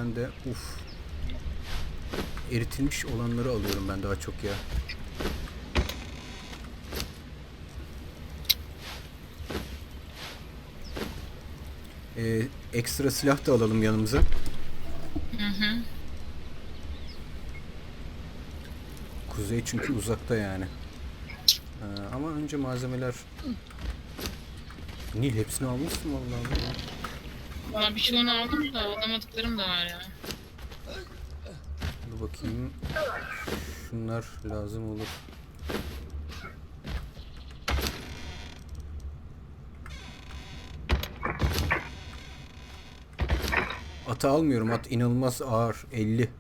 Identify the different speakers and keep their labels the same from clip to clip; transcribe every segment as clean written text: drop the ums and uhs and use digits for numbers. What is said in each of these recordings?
Speaker 1: ben de eritilmiş olanları alıyorum ben daha çok ya. Ekstra silah da alalım yanımıza.
Speaker 2: Hı hı.
Speaker 1: Kuzey çünkü uzakta yani. Ama önce malzemeler. Nil hepsini almışsın vallahi.
Speaker 2: Valla birçoğunu aldım da alamadıklarım da var ya.
Speaker 1: Dur bakayım. Şunlar lazım olur. Atı almıyorum. At inanılmaz ağır. 50.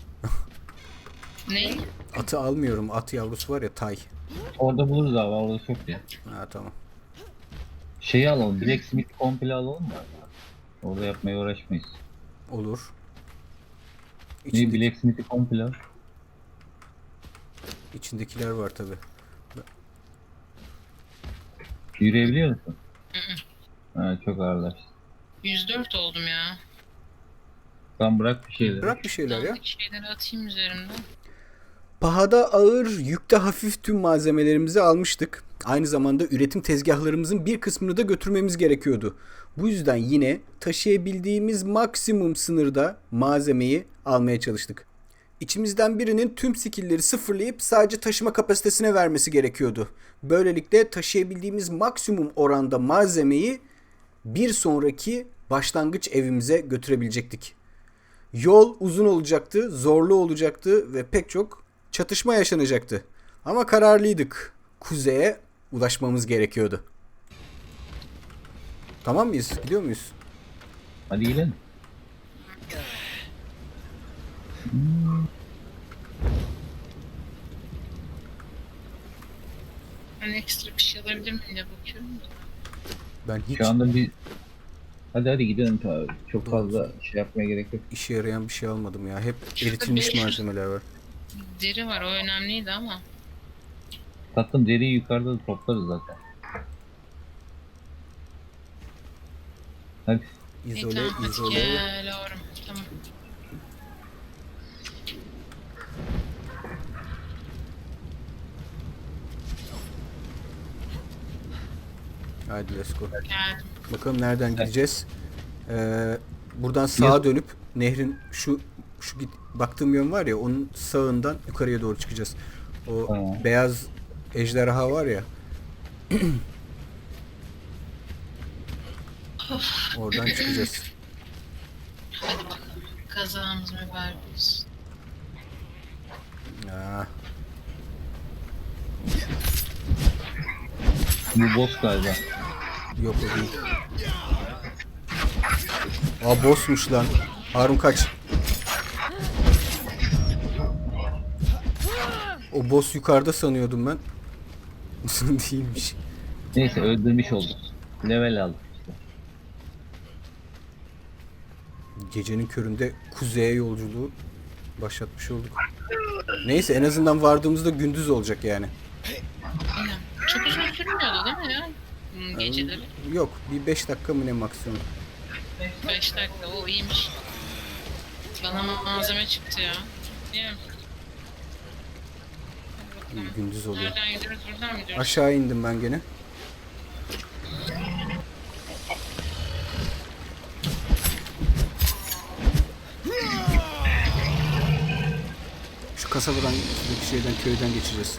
Speaker 2: Ne?
Speaker 1: Atı almıyorum. At yavrusu var ya, tay.
Speaker 3: Orada buluruz abi, orada çok ya.
Speaker 1: Ha tamam.
Speaker 3: Şeyi alalım, Blacksmith komple alalım mı? Orada yapmaya uğraşmayız.
Speaker 1: Olur.
Speaker 3: Ne
Speaker 1: İçinde,
Speaker 3: Blacksmith'i komple al.
Speaker 1: içindekiler var tabi.
Speaker 3: Yürüyebiliyor musun? Ha, çok ağırlar.
Speaker 2: 104 oldum ya.
Speaker 3: Tamam, bırak bir şeyleri.
Speaker 1: Bırak bir şeyler ya.
Speaker 2: Dandik şeyleri atayım üzerimden.
Speaker 1: Pahada ağır, yükte hafif tüm malzemelerimizi almıştık. Aynı zamanda üretim tezgahlarımızın bir kısmını da götürmemiz gerekiyordu. Bu yüzden yine taşıyabildiğimiz maksimum sınırda malzemeyi almaya çalıştık. İçimizden birinin tüm skill'leri sıfırlayıp sadece taşıma kapasitesine vermesi gerekiyordu. Böylelikle taşıyabildiğimiz maksimum oranda malzemeyi bir sonraki başlangıç evimize götürebilecektik. Yol uzun olacaktı, zorlu olacaktı ve pek çok çatışma yaşanacaktı. Ama kararlıydık. Kuzeye ulaşmamız gerekiyordu. Tamam mıyız? Gidiyor muyuz?
Speaker 3: Hadi gidelim.
Speaker 2: Ben ekstra bir şey alabilir miyim diye bakıyorum da.
Speaker 1: Ben hiç
Speaker 3: Şu anda bir... Hadi gidelim tabii. Çok
Speaker 1: Doğru.
Speaker 3: fazla şey yapmaya gerek yok.
Speaker 1: işe yarayan bir şey almadım ya. Hep
Speaker 2: Şurada
Speaker 1: eritilmiş
Speaker 2: 500
Speaker 1: malzemeler var.
Speaker 2: deri var, o önemliydi ama.
Speaker 3: Tatlım, deriyi yukarıda da toplarız zaten. Hadi.
Speaker 2: İyi
Speaker 1: İzole,
Speaker 2: tamam hadi
Speaker 1: izole.
Speaker 2: gel oğlum. Tamam.
Speaker 1: Haydi let's go.
Speaker 2: Geldim.
Speaker 1: Bakalım nereden gideceğiz. Buradan sağa dönüp nehrin şu baktığım yön var ya, onun sağından yukarıya doğru çıkacağız. O
Speaker 3: Tamam.
Speaker 1: beyaz ejderha var ya. Oradan çıkacağız.
Speaker 2: Hadi bakalım. Kazamız mübarek olsun.
Speaker 1: Ya,
Speaker 3: Bu boss galiba.
Speaker 1: yok o değil. Aa, bossmuş lan. Harun kaç. O boss yukarıda sanıyordum ben. Değilmiş.
Speaker 3: Neyse, öldürmüş olduk. Level aldık işte.
Speaker 1: Gecenin köründe kuzeye yolculuğu başlatmış olduk. Neyse, en azından vardığımızda gündüz olacak yani.
Speaker 2: Aynen. Çok uzun sürmüyordu değil mi ya? Geceleri.
Speaker 1: Yok, bir 5 dakika mı ne maksimum.
Speaker 2: 5 dakika, o iyiymiş. Bana malzeme çıktı ya. Değil mi? Hadi bakalım.
Speaker 1: Gündüz oluyor.
Speaker 2: Nereden gidiyoruz? Buradan mı gidiyoruz?
Speaker 1: Aşağı indim ben gene. Şu kasabadan, şuradaki şeyden, köyden geçeceğiz.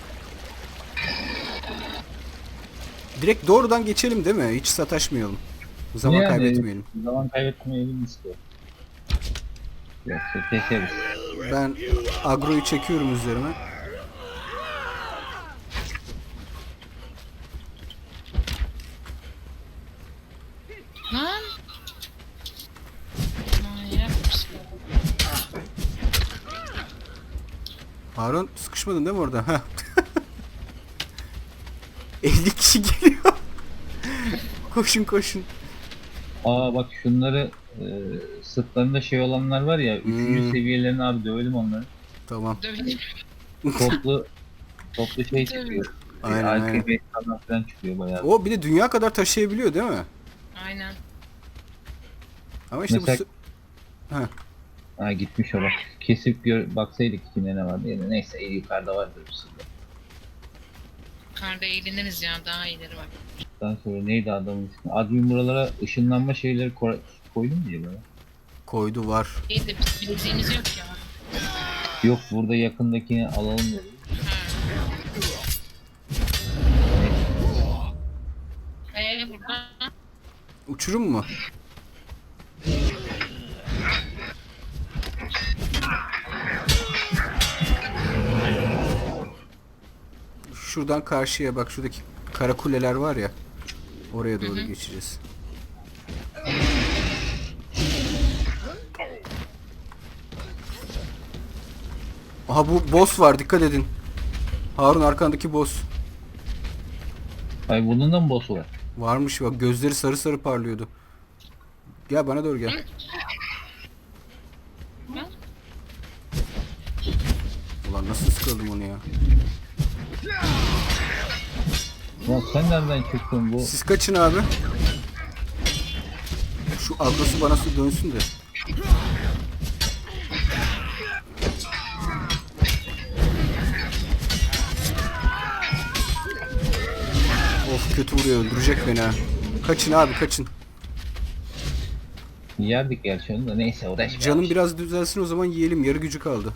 Speaker 1: Direkt doğrudan geçelim değil mi? Hiç sataşmayalım. Zaman
Speaker 3: Yani,
Speaker 1: kaybetmeyelim.
Speaker 3: Zaman kaybetmeyelim istiyor. Yoksa keseriz.
Speaker 1: Ben agroyu çekiyorum üzerime.
Speaker 2: Lan! Manyak mısın?
Speaker 1: Harun, sıkışmadın değil mi orada? Heh. 50 kişi geliyor. Koşun koşun.
Speaker 3: Aa bak, şunları sırtlarında şey olanlar var ya, 3. seviyelerini abi dövelim onları.
Speaker 1: Tamam.
Speaker 2: Döveyim.
Speaker 3: Toplu şey çıkıyor.
Speaker 1: Aynen, aynen.
Speaker 3: RP falan çıkıyor bayağı.
Speaker 1: O bir de dünya kadar taşıyabiliyor değil mi?
Speaker 2: Aynen.
Speaker 1: Ama işte
Speaker 3: Mesela-
Speaker 1: bu... Heh.
Speaker 3: Ha gitmiş o bak. Kesip baksaydık içinde ne vardı ya da neyse yukarıda vardır bir sürü.
Speaker 2: Yukarıda eğleniriz ya, daha iyileri var.
Speaker 3: Daha sonra neydi adamın ismi? Admin buralara ışınlanma şeyleri koydun mu acaba?
Speaker 1: Koydu var.
Speaker 2: İyi de bildiğimiz yok ya.
Speaker 3: Yok burada yakındakini alalım dedi.
Speaker 2: Burada
Speaker 1: Uçurum mu? Şuradan karşıya bak, şuradaki kara kuleler var ya. Oraya doğru geçeceğiz. Aha bu boss var, dikkat edin. Harun arkandaki boss.
Speaker 3: Ay bunun da mı boss'u var?
Speaker 1: Varmış bak, gözleri sarı sarı parlıyordu. Gel bana doğru gel. Ulan nasıl sıkıldım onu ya.
Speaker 3: Lan sen nereden çıktın bu?
Speaker 1: Siz kaçın abi. Şu agrosu bana su dönsün de. Of kötü vuruyor, öldürecek beni ha. Kaçın abi, kaçın.
Speaker 3: Yerdik gerçi onu da neyse uğraşmayalım.
Speaker 1: Canım biraz düzelsin o zaman, yiyelim, yarı gücü kaldı.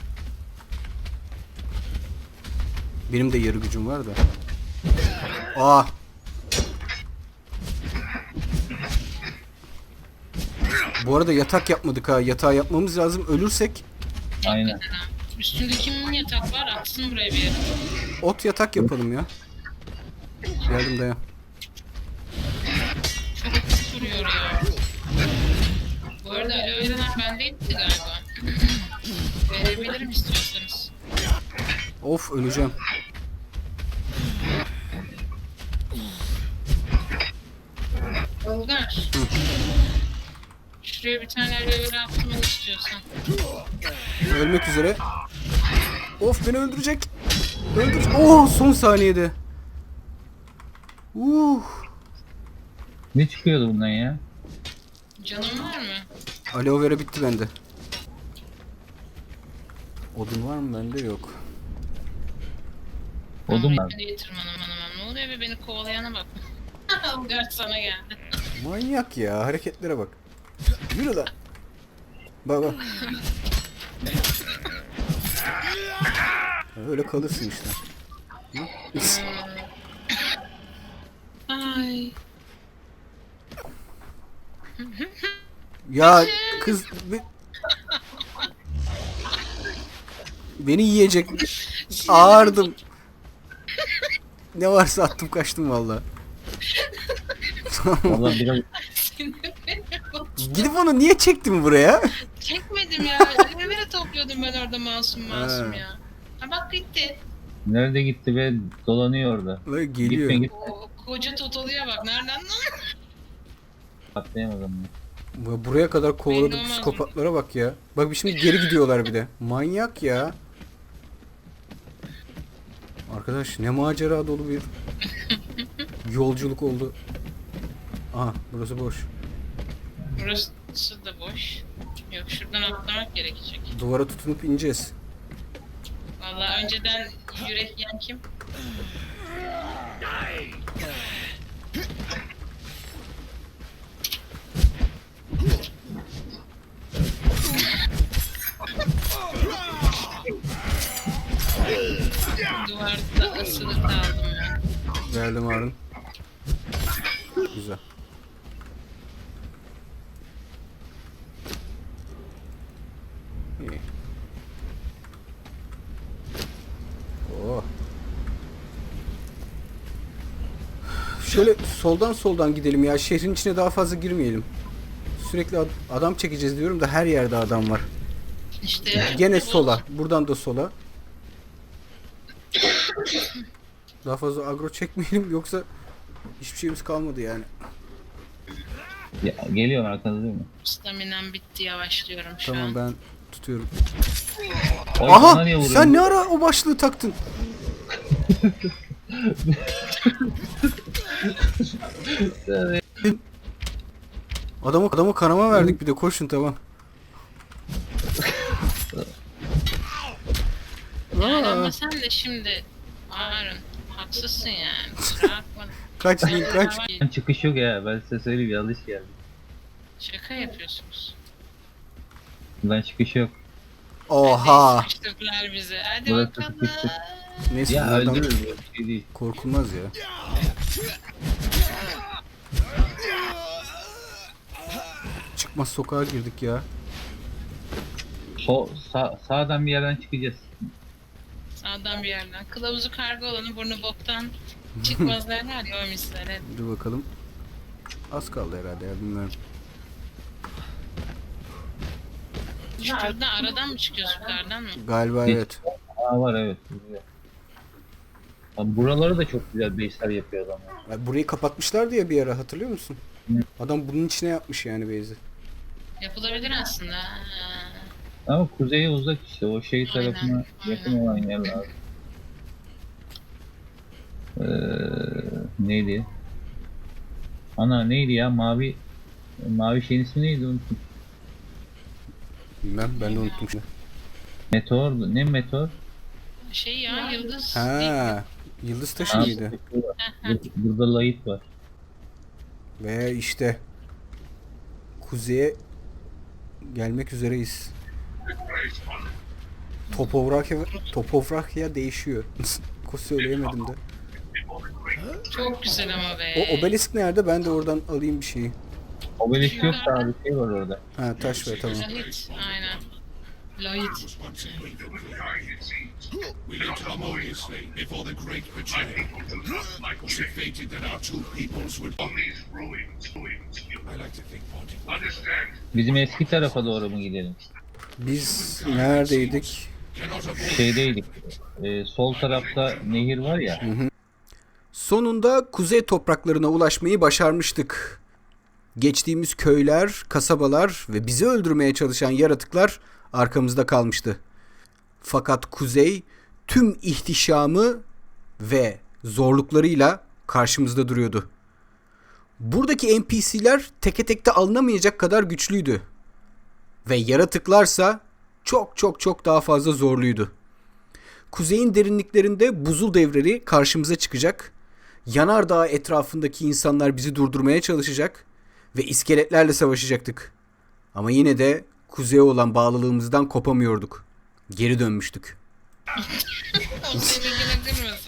Speaker 1: Benim de yarı gücüm var da. Aa. Bu arada yatak yapmadık ha. Yatağı yapmamız lazım. Ölürsek
Speaker 3: Aynen.
Speaker 2: üstünde kimin yatak var? Atsın buraya bir yere.
Speaker 1: ot yatak yapalım ya. Geldim dayan.
Speaker 2: Çok hafif duruyor ya. Bu arada aloe veralar bendeydi galiba. Verebilirim istiyorsanız.
Speaker 1: Of öleceğim.
Speaker 2: Olgar. Şuraya bir tane aloe vera attım istiyorsan.
Speaker 1: Ölmek üzere. Of beni öldürecek. Öldürecek. Oh son saniyede.
Speaker 3: Ne çıkıyordu bundan ya?
Speaker 2: Canın var mı?
Speaker 1: Aloe vera bitti bende. Odun var mı bende? Yok.
Speaker 3: Odun var.
Speaker 2: Beni getir manam. Ne oluyor be, beni kovalayana bak. Olgar sana geldi.
Speaker 1: Manyak ya, hareketlere bak. Yürü lan. Bak bak. Öyle kalırsın işte.
Speaker 2: Ay.
Speaker 1: Ya kız beni yiyecek. Ağırdım. Ne varsa attım kaçtım valla.
Speaker 3: Vallahi biraz
Speaker 1: Gidip onu niye çektim buraya?
Speaker 2: Çekmedim ya. Aloe vera topluyordum ben orada masum
Speaker 1: Ha.
Speaker 2: ya. Ha bak gitti.
Speaker 3: nerede gitti be dolanıyor orada.
Speaker 1: Böyle geliyor.
Speaker 3: Gitme git
Speaker 2: O koca Totolu'ya bak. Nereden lan?
Speaker 3: atlayamadım.
Speaker 1: Buraya kadar kovaladı
Speaker 2: Belli olmaz mı?
Speaker 1: psikopatlara bak ya. Bak şimdi geri gidiyorlar bir de. Manyak ya. Arkadaş ne macera dolu bir yolculuk oldu. Aha burası boş.
Speaker 2: Burası da boş. Yok, şuradan atlamak gerekecek.
Speaker 1: Duvara tutunup ineceğiz.
Speaker 2: Vallahi önceden yürek yiyen kim? Duvarda asılı kaldım ben.
Speaker 1: Geldim Harun. Güzel. İyi. Oh. Şöyle soldan gidelim ya. Şehrin içine daha fazla girmeyelim. Sürekli adam çekeceğiz diyorum da her yerde adam var.
Speaker 2: İşte
Speaker 1: Gene sola. Buradan da sola. Daha fazla agro çekmeyelim yoksa hiçbir şeyimiz kalmadı yani.
Speaker 3: Ya, geliyorum arkanızda değil mi?
Speaker 2: Staminam bitti, yavaşlıyorum şu
Speaker 1: Tamam
Speaker 2: an.
Speaker 1: ben tutuyorum.
Speaker 3: Oy, bana
Speaker 1: Aha
Speaker 3: niye vuruyorsun?
Speaker 1: sen ne ara o başlığı taktın? Adamı kanama verdik bir de, koşun tamam.
Speaker 2: Yani
Speaker 1: Aa.
Speaker 2: ama sen de şimdi Harun haksızsın yani. Kusura bakma.
Speaker 1: Kaç Link kaç.
Speaker 3: Çıkış yok ya. Ben size söyleyeyim, yanlış geldi.
Speaker 2: Şaka yapıyorsunuz.
Speaker 3: Buradan çıkış yok.
Speaker 1: Oha.
Speaker 2: Hadi sıkıştırdılar bizi. Hadi
Speaker 3: Burası
Speaker 2: bakalım.
Speaker 3: sıkıştık.
Speaker 1: Neyse
Speaker 3: Ya
Speaker 1: bunlardan
Speaker 3: öldürürüz, böyle bir şey değil.
Speaker 1: korkulmaz ya. Çıkmaz sokağa girdik ya.
Speaker 3: Sağdan bir yerden çıkacağız.
Speaker 2: Sağdan bir yerden. Kılavuzu karga olanı burnu boktan çıkmaz derler ya o misler.
Speaker 1: Dur bakalım. Az kaldı herhalde ya bilmiyorum.
Speaker 2: Şuradan aradan mı çıkıyoruz yukarıdan mı?
Speaker 1: Galiba
Speaker 3: Geç.
Speaker 1: evet.
Speaker 3: Var evet. Buraya. Abi buraları da çok güzel base'ler yapıyor adamlar.
Speaker 1: Ya burayı kapatmışlardı ya bir ara hatırlıyor musun?
Speaker 3: Hı.
Speaker 1: Adam bunun içine yapmış yani base'i.
Speaker 2: Yapılabilir aslında.
Speaker 3: Ama kuzeye uzak işte, o şey
Speaker 2: Aynen,
Speaker 3: tarafına yakın
Speaker 2: aynen.
Speaker 3: olan yerler. Neydi? Ana neydi ya, mavi şeyin ismi neydi, unuttum.
Speaker 1: Bilmem ben de unuttum şimdi.
Speaker 3: Meteordu. Ne meteor?
Speaker 2: Şey ya yıldız.
Speaker 1: Ha, yıldız taşı
Speaker 3: Ha,
Speaker 1: mıydı?
Speaker 3: burada light var.
Speaker 1: Ve işte kuzeye gelmek üzereyiz. Topografya değişiyor. Söyleyemedim de.
Speaker 2: Çok güzel ama be.
Speaker 1: O obelisk nerede? Ben de oradan alayım bir şeyi.
Speaker 3: Obelisk yok da abi, şey var orada.
Speaker 1: Ha taş ver tamam.
Speaker 2: Lahit. Aynen. Lahit.
Speaker 4: We lived harmoniously before the great betrayal. Was it fated that our two peoples would on these ruins? I like to think Ponty. Understand?
Speaker 3: Bizim eski tarafa doğru mu gidelim?
Speaker 1: Biz neredeydik?
Speaker 3: Şeydeydik. Sol tarafta nehir var ya.
Speaker 1: Sonunda kuzey topraklarına ulaşmayı başarmıştık. Geçtiğimiz köyler, kasabalar ve bizi öldürmeye çalışan yaratıklar arkamızda kalmıştı. Fakat kuzey tüm ihtişamı ve zorluklarıyla karşımızda duruyordu. Buradaki NPC'ler teke tekte alınamayacak kadar güçlüydü. Ve yaratıklarsa çok çok çok daha fazla zorluydu. Kuzeyin derinliklerinde buzul devleri karşımıza çıkacak. Yanardağ etrafındaki insanlar bizi durdurmaya çalışacak ve iskeletlerle savaşacaktık. Ama yine de kuzeye olan bağlılığımızdan kopamıyorduk. Geri dönmüştük.
Speaker 2: O seni ilgilendirmiyorsun.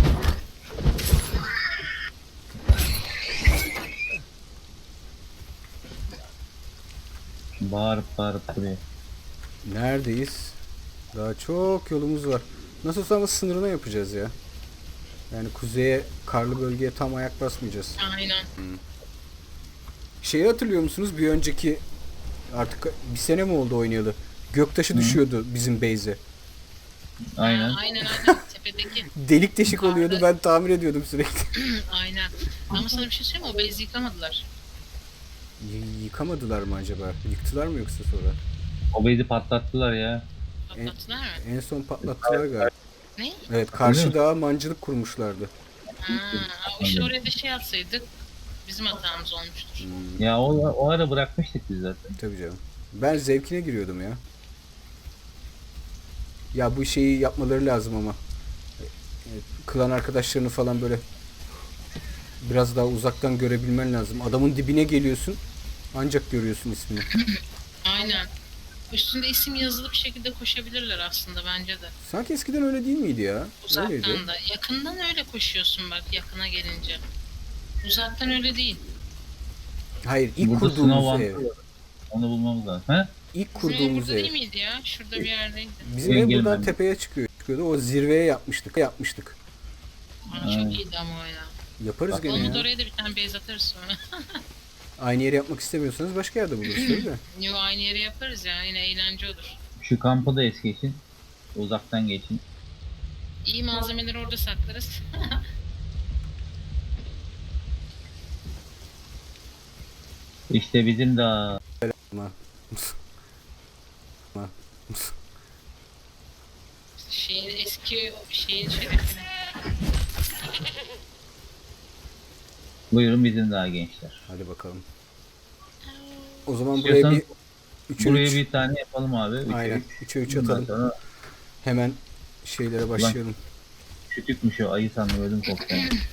Speaker 3: Bağırıp duruyor.
Speaker 1: Neredeyiz? Daha çok yolumuz var. Nasıl ama sınırına yapacağız ya. Yani kuzeye, karlı bölgeye tam ayak basmayacağız.
Speaker 2: Aynen.
Speaker 1: Şeyi hatırlıyor musunuz? Bir önceki artık bir sene mi oldu oynayalı? Göktaşı düşüyordu bizim base'e.
Speaker 3: Aynen.
Speaker 2: Aynen. Tepedeki.
Speaker 1: Delik deşik oluyordu. Ben tamir ediyordum sürekli.
Speaker 2: Aynen. Ama sana bir şey söyleyeyim mi? O base'i yıkamadılar.
Speaker 1: Yıkamadılar mı acaba? Yıktılar mı yoksa sonra?
Speaker 3: O base'i patlattılar ya.
Speaker 2: Patlattılar mı?
Speaker 1: En son patlattılar galiba.
Speaker 2: Ne?
Speaker 1: Evet, karşı
Speaker 3: Öyle mi?
Speaker 1: dağa mancınık kurmuşlardı.
Speaker 2: Ha, işte oraya da şey atsaydık bizim hatamız olmuştur.
Speaker 3: Ya o ara bırakmıştık biz zaten.
Speaker 1: Tabii canım. Ben zevkine giriyordum ya. Ya bu şeyi yapmaları lazım ama. Klan arkadaşlarını falan böyle biraz daha uzaktan görebilmen lazım. Adamın dibine geliyorsun. Ancak görüyorsun ismini.
Speaker 2: Aynen. Üstünde isim yazılı bir şekilde koşabilirler aslında bence de.
Speaker 1: Sanki eskiden öyle değil miydi ya? Öyleydi.
Speaker 2: Uzaktan da. Yakından öyle koşuyorsun bak yakına gelince. Uzaktan öyle değil.
Speaker 1: Hayır, ilk
Speaker 3: Burada
Speaker 1: kurduğumuz
Speaker 3: sınav
Speaker 1: ev.
Speaker 3: var. Onu bulmamız lazım. He?
Speaker 1: İlk
Speaker 2: Bizim ev
Speaker 1: kurduğumuz
Speaker 2: burada
Speaker 1: ev.
Speaker 2: değil miydi ya? Şurada bir yerdeydi.
Speaker 1: Bizim ev
Speaker 3: Gelin
Speaker 1: buradan
Speaker 3: ben.
Speaker 1: tepeye çıkıyordu. O zirveye yapmıştık.
Speaker 2: Aa, çok iyiydi ama o ya.
Speaker 1: Yaparız gene
Speaker 2: Olmadı
Speaker 1: ya.
Speaker 2: oraya da bir tane base atarız sonra.
Speaker 1: Aynı yeri yapmak istemiyorsanız başka yerde buluruz tabii de.
Speaker 2: Yo aynı yere yaparız ya. Yine eğlence olur.
Speaker 3: Şu kampı da es geçin. Uzaktan geçin.
Speaker 2: İyi malzemeleri orada saklarız.
Speaker 3: İşte bizim de
Speaker 1: Ama
Speaker 2: Şeyin eski şeyin şerefine.
Speaker 3: buyurun bizim daha gençler.
Speaker 1: hadi bakalım. O zaman buraya
Speaker 3: İstiyorsan
Speaker 1: bir 3'e
Speaker 3: buraya
Speaker 1: 3.
Speaker 3: bir tane yapalım abi. Üçe
Speaker 1: Aynen.
Speaker 3: üç.
Speaker 1: 3'e 3
Speaker 3: Ondan
Speaker 1: atalım.
Speaker 3: sonra
Speaker 1: Hemen şeylere başlayalım.
Speaker 3: Küçükmüş o, ayı sandım, ödüm koptu.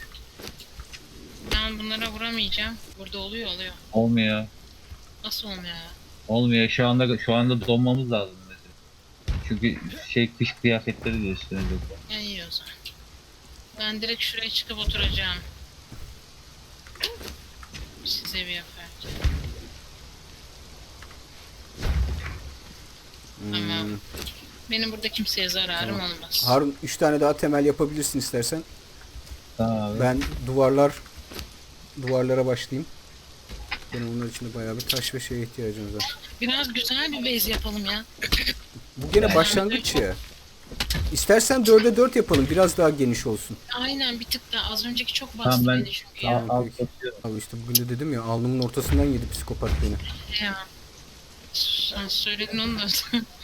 Speaker 2: Ben bunlara vuramayacağım. Burada oluyor.
Speaker 3: Olmuyor.
Speaker 2: Nasıl olmuyor ya?
Speaker 3: Olmuyor. Şu anda donmamız lazım mesela. Çünkü kış kıyafetleri de üstüne yok.
Speaker 2: Ya iyi o zaman. Ben direkt şuraya çıkıp oturacağım. Size bir yaparken. Tamam. Benim burada kimseye zararım olmaz.
Speaker 1: Harun 3 tane daha temel yapabilirsin istersen.
Speaker 3: Tamam abi.
Speaker 1: Ben duvarlara başlayayım. Benim onlar için de bayağı bir taş ve şeye ihtiyacımız var.
Speaker 2: Biraz güzel bir base yapalım ya.
Speaker 1: Bu gene başlangıç ya. İstersen 4'e 4 yapalım. Biraz daha geniş olsun.
Speaker 2: Aynen bir tık daha. Az önceki çok bastı
Speaker 3: Tamam, ben
Speaker 2: beni çünkü ya.
Speaker 3: al satıyorum.
Speaker 1: Abi işte bugün de dedim ya alnımın ortasından yedi psikopat beni.
Speaker 2: Ya. Sen söyledin onu da.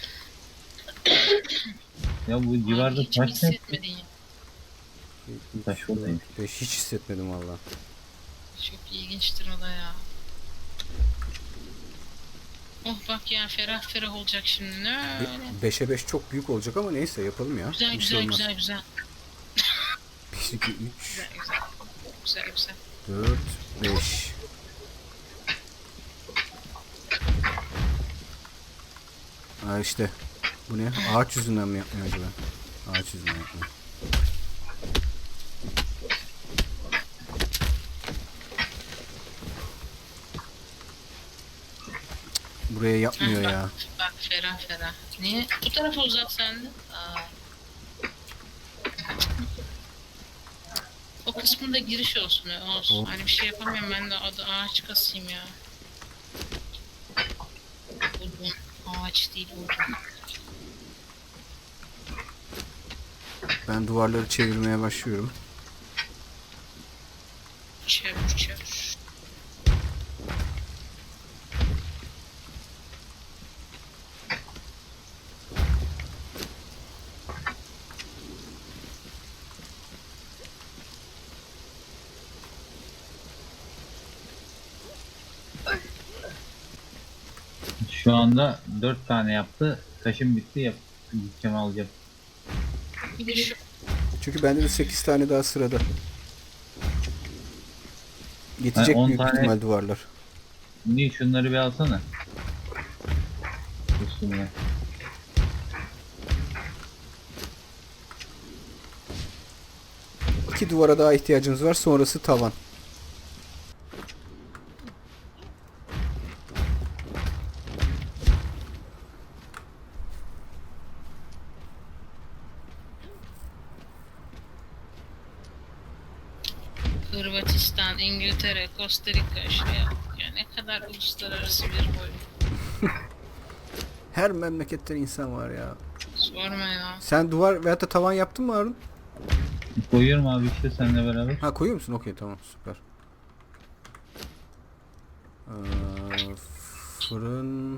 Speaker 3: Ya bu civarda
Speaker 2: Hiç mi
Speaker 3: taş ne?
Speaker 2: hissetmedin ya?
Speaker 3: Taş oradaymış.
Speaker 1: Hiç hissetmedim valla.
Speaker 2: Çok ilginçtir o da ya. Oh bak ya ferah ferah olacak şimdi. Ne öyle.
Speaker 1: 5'e 5 çok büyük olacak ama neyse yapalım ya.
Speaker 2: Güzel
Speaker 1: Bir şey
Speaker 2: güzel
Speaker 1: olmaz.
Speaker 2: güzel güzel.
Speaker 1: 1, 2, 3,
Speaker 2: Güzel güzel. Güzel güzel.
Speaker 1: 4, 5. Ha işte. Bu ne? Ağaç yüzünden mi yapmıyor acaba? Ağaç yüzünden yapmıyor. Buraya yapmıyor ya.
Speaker 2: Bak ferah ferah. Niye? Bu tarafa uzat sen de. Aa. O kısmında giriş olsun. Olsun.
Speaker 1: O-
Speaker 2: Hani bir şey yapamıyorum ben de adı ağaç kasayım ya. Odun. Ağaç değil odun.
Speaker 1: Ben duvarları çevirmeye başlıyorum.
Speaker 2: Çevir çevir.
Speaker 3: Şu anda 4 tane yaptı. Taşım bitti, gideceğim alacağım.
Speaker 2: Bir de şu
Speaker 1: Çünkü bende de 8 tane daha sırada. Yetecek
Speaker 3: Ha, 10
Speaker 1: büyük
Speaker 3: tane-
Speaker 1: ihtimal duvarlar.
Speaker 3: Niye şunları bir alsana. Üstüne.
Speaker 1: İki duvara daha ihtiyacımız var. Sonrası tavan.
Speaker 2: Hırvatistan, İngiltere, Costa Rica şuraya bak ya ne kadar uluslararası bir boy.
Speaker 1: Her memleketten insan var ya.
Speaker 2: Sorma ya.
Speaker 1: Sen duvar veyahut da tavan yaptın mı Harun?
Speaker 3: Koyuyorum abi işte seninle beraber.
Speaker 1: Ha koyuyor musun? Okey tamam süper. Fırın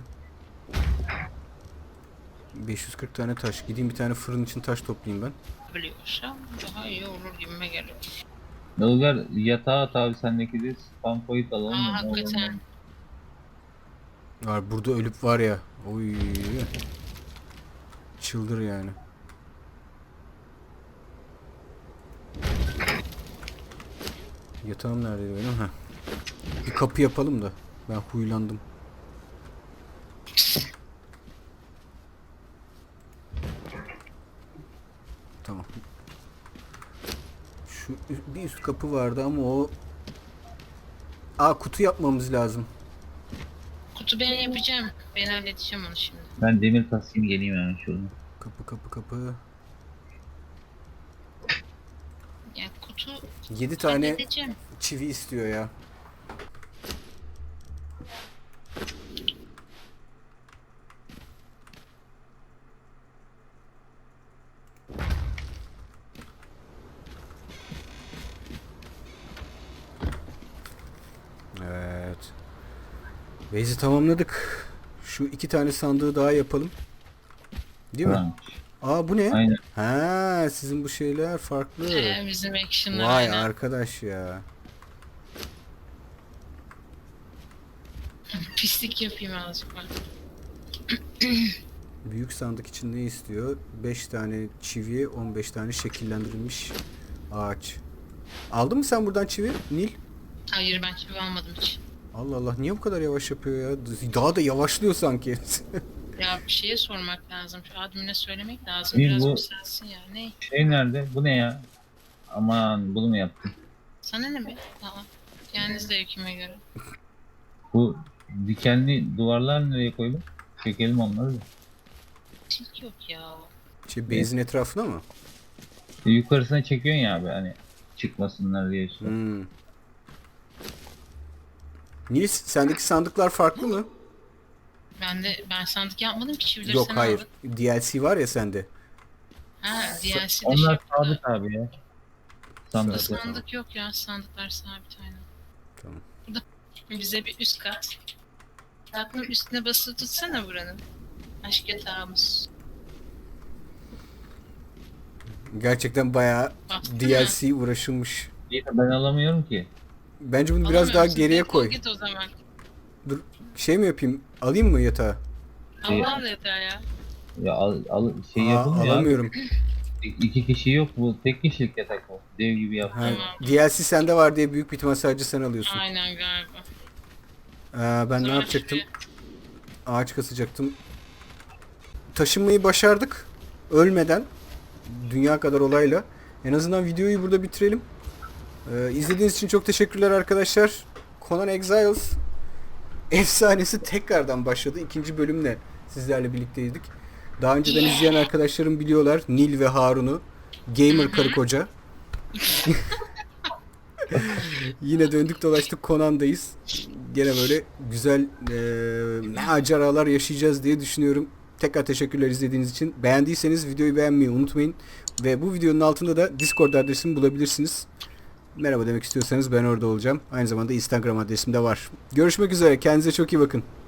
Speaker 1: 540 tane taş. Gideyim bir tane fırın için taş toplayayım ben.
Speaker 2: Biliyorsam daha iyi olur gibime geliyor.
Speaker 3: Ilgar yatağa at abi, sendeki de spam point alalım
Speaker 2: Aa
Speaker 3: mı?
Speaker 2: hakikaten.
Speaker 1: Var burada ölüp var ya. Oy. Çıldır yani. Yatağım neredeydi benim? Ha. Bir kapı yapalım da. Ben huylandım. Tamam. Şu bir üst kapı vardı ama o... kutu yapmamız lazım.
Speaker 2: Kutu ben yapacağım. Ben halledeceğim onu şimdi.
Speaker 3: Ben demir kasayım geleyim hemen şuradan.
Speaker 1: Kapı.
Speaker 2: Ya kutu
Speaker 1: 7 tane
Speaker 2: halledeceğim.
Speaker 1: çivi istiyor ya. Evet. Base'i tamamladık. Şu 2 tane sandığı daha yapalım. Değil mi?
Speaker 3: Tamam.
Speaker 1: Bu ne?
Speaker 3: Aynen.
Speaker 1: Ha, sizin bu şeyler farklı.
Speaker 2: Bizim action'lar
Speaker 1: Vay
Speaker 2: aynen.
Speaker 1: arkadaş ya.
Speaker 2: Pislik yapayım azıcık bak.
Speaker 1: Büyük sandık için ne istiyor? 5 tane çivi, 15 tane şekillendirilmiş ağaç. Aldın mı sen buradan çivi Nil?
Speaker 2: Hayır ben çivi almadım hiç.
Speaker 1: Allah Allah, niye bu kadar yavaş yapıyor ya? Daha da yavaşlıyor sanki.
Speaker 2: Ya bir şeye sormak lazım. Şu admine söylemek lazım.
Speaker 3: Nil,
Speaker 2: Biraz
Speaker 3: bu-
Speaker 2: yükselsin ya. Ne?
Speaker 3: Şey nerede? Bu ne ya? Aman bunu mu yaptın?
Speaker 2: Sana ne be? Aa, kendi zevkime göre.
Speaker 3: Bu dikenli duvarlar nereye koydun? Çekelim onları da.
Speaker 2: Tilk yok ya.
Speaker 1: Base'in etrafına mı?
Speaker 3: Yukarısına çekiyorsun ya abi hani çıkmasınlar diye işte.
Speaker 1: Nils, sendeki sandıklar farklı mı?
Speaker 2: Ben sandık yapmadım ki çivileri
Speaker 1: Yok
Speaker 2: sen
Speaker 1: hayır.
Speaker 2: aldın.
Speaker 1: DLC var ya sende.
Speaker 2: Ha DLC'de şey
Speaker 3: Onlar
Speaker 2: yaptı.
Speaker 3: sabit abi ya.
Speaker 2: Burada
Speaker 3: Sandıklar.
Speaker 2: sandık yok ya. Sandıklar sabit aynen.
Speaker 1: Tamam.
Speaker 2: Burada bize bir üst kat. Tatlım üstüne basılı tutsana buranın. Aşk yatağımız.
Speaker 1: Gerçekten bayağı
Speaker 2: Bastın
Speaker 1: DLC uğraşılmış.
Speaker 3: İyi de ben alamıyorum ki.
Speaker 1: Bence bunu biraz daha
Speaker 2: Alamıyorsun,
Speaker 1: geriye
Speaker 2: defol
Speaker 1: koy.
Speaker 2: Git o zaman.
Speaker 1: Dur, şey mi yapayım? Alayım mı yatağı?
Speaker 2: Allah da yeter ya.
Speaker 3: Ya al şey
Speaker 1: Aa,
Speaker 3: yapılmıyor abi.
Speaker 1: alamıyorum.
Speaker 3: İki kişi yok bu. Tek kişilik yatak o. Dev gibi yap.
Speaker 1: Ha,
Speaker 2: Tamam.
Speaker 1: DLC sende var diye büyük bir ihtimal sadece sen alıyorsun.
Speaker 2: Aynen galiba.
Speaker 1: Ben ne
Speaker 2: Sonra
Speaker 1: yapacaktım?
Speaker 2: şuraya-
Speaker 1: Ağaç kasacaktım. Taşınmayı başardık. Ölmeden. Dünya kadar olayla. En azından videoyu burada bitirelim. İzlediğiniz için çok teşekkürler arkadaşlar. Conan Exiles efsanesi tekrardan başladı. İkinci bölümle sizlerle birlikteydik. Daha önceden izleyen arkadaşlarım biliyorlar. Nil ve Harun'u. Gamer karı koca. Yine döndük dolaştık Conan'dayız. Gene böyle güzel maceralar yaşayacağız diye düşünüyorum. Tekrar teşekkürler izlediğiniz için. Beğendiyseniz videoyu beğenmeyi unutmayın. Ve bu videonun altında da Discord adresimi bulabilirsiniz. Merhaba demek istiyorsanız ben orada olacağım. Aynı zamanda Instagram adresim de var. Görüşmek üzere. Kendinize çok iyi bakın.